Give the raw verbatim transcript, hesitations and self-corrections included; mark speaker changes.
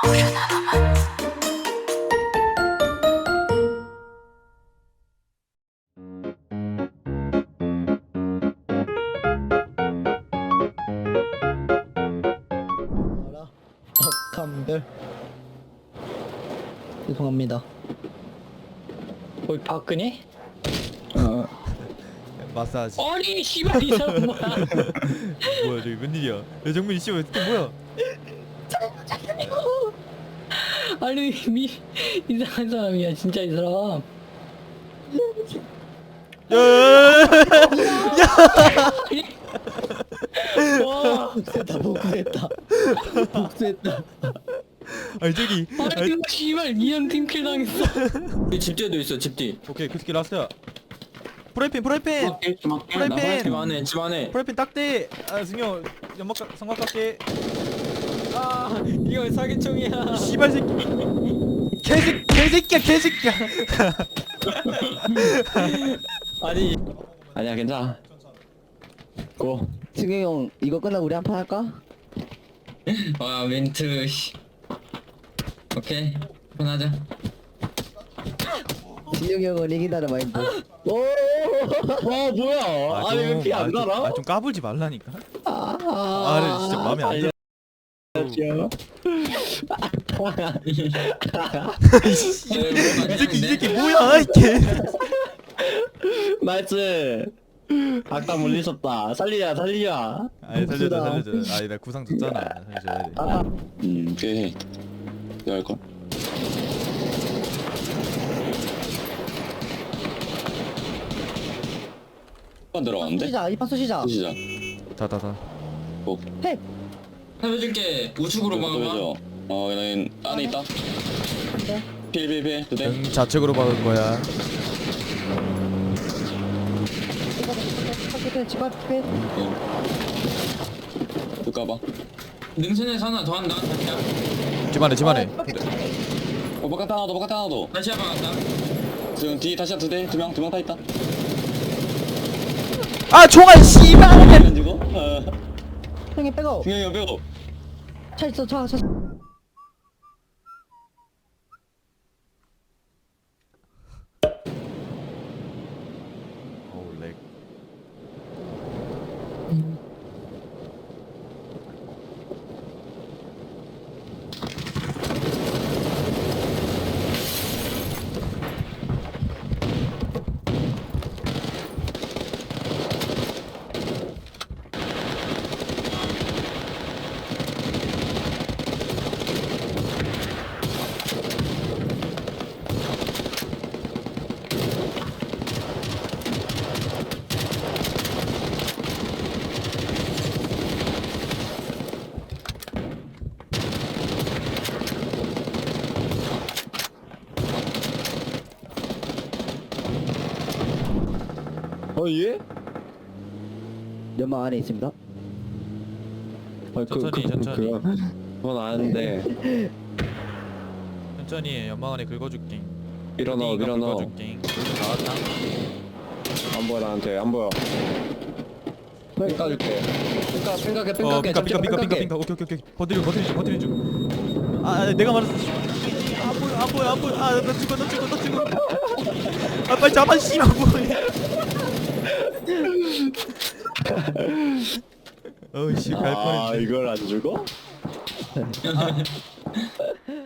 Speaker 1: 알아? 박한별. 죄송합니다.
Speaker 2: 거기 박근혜?
Speaker 1: 어.
Speaker 3: 마사지.
Speaker 2: 아니 씨발 이 사람 뭐야?
Speaker 3: 뭐야 저기 웬일이야? 야 정민이 씨발 또 뭐야?
Speaker 2: 아니 미 이상한 사람이야 진짜 이 사람. 와
Speaker 1: 복수했다 복수했다 복수했다.
Speaker 3: 아니 저기.
Speaker 2: 아니 이거 씨발 미연 팀킬 당했어. 이 집뒤에도 있어 집뒤.
Speaker 3: 오케이 그 새끼 라스트야. 프라이팬 프라이팬 프라이팬.
Speaker 2: 집 안에 집 안에.
Speaker 3: 프라이팬 딱대. 아 승효 연막 삼각각대.
Speaker 2: 아 이거 사기총이야.
Speaker 3: 씨발 새끼. 개새 개새끼야 개새끼야.
Speaker 2: 아니 아니야 괜찮아. 고.
Speaker 1: 승희 형 이거 끝나고 우리 한 판 할까?
Speaker 2: 와 멘트 씨. 오케이 편하자.
Speaker 1: 진영이 형은 이긴다는 마인드. 오.
Speaker 2: 와 뭐야? 아니 왜 피 안 달아?
Speaker 3: 아좀 까불지 말라니까.
Speaker 1: 아.
Speaker 3: 아 근데 진짜 마음에 안 들어. 이 새끼 이 새끼 뭐야 이게.
Speaker 2: 나이스. 아까 물리셨다. 살리자 살리자.
Speaker 3: 아니 살려줘 살려줘. 아니 나 구상 줬잖아. 살려줘야 돼.
Speaker 1: 아.
Speaker 4: 음, 오케이. 내가 할걸? 한 들어갔는데?
Speaker 1: 쏘시자 이판 쏘시자.
Speaker 4: 시작.
Speaker 3: 다다다.
Speaker 4: 고.
Speaker 1: 해.
Speaker 2: 해줄게. 우측으로
Speaker 4: 또
Speaker 2: 막아봐.
Speaker 4: 해줘. 어, 여긴 안에 있다.
Speaker 1: 네.
Speaker 4: 필필필 두 대.
Speaker 3: 응 좌측으로 박은 거야.
Speaker 1: 집앞 집앞.
Speaker 4: 또 까봐.
Speaker 2: 능선에서 하나 더 한다. 다시야.
Speaker 3: 집안에 집안에.
Speaker 4: 어, 바깥 하나 더, 바깥 하나 더.
Speaker 2: 다시 한번 간다.
Speaker 4: 지금 뒤 다시 두 대, 두 명, 두 명 다 있다.
Speaker 3: 아 총알 씨발.
Speaker 4: 가지고. 어.
Speaker 1: 형이 빼고.
Speaker 4: 승현이 형 빼고.
Speaker 1: 차 있어 차 차.
Speaker 3: 어우 렉.
Speaker 5: 어 예?
Speaker 1: 연막 안에 있습니다.
Speaker 5: 아,
Speaker 3: 천천히, 천천히.
Speaker 5: 그거, 그건 아는데
Speaker 3: 천천히 연막 안에 긁어줄게.
Speaker 5: 밀어넣어
Speaker 3: 네가
Speaker 5: 밀어넣어
Speaker 3: 긁어줄게. 나왔다.
Speaker 5: 안 보여 나한테 안 보여 깎아줄게 깎아 생각해
Speaker 3: 어
Speaker 5: 생각해
Speaker 3: 핑카 핑카 핑카 핑카 핑카. 오케이 오케이 오케이. 버티는 중 버티는 중 버티는 중. 아 아, 내가 말했어. 안 보여 안 보여 안 보여. 아나 죽어 나 죽어 나 죽어. 아 빨리 잡아 씨발 뭐해. 어이씨 갈
Speaker 5: 아
Speaker 3: 뻔했네.
Speaker 5: 이걸 안 죽어?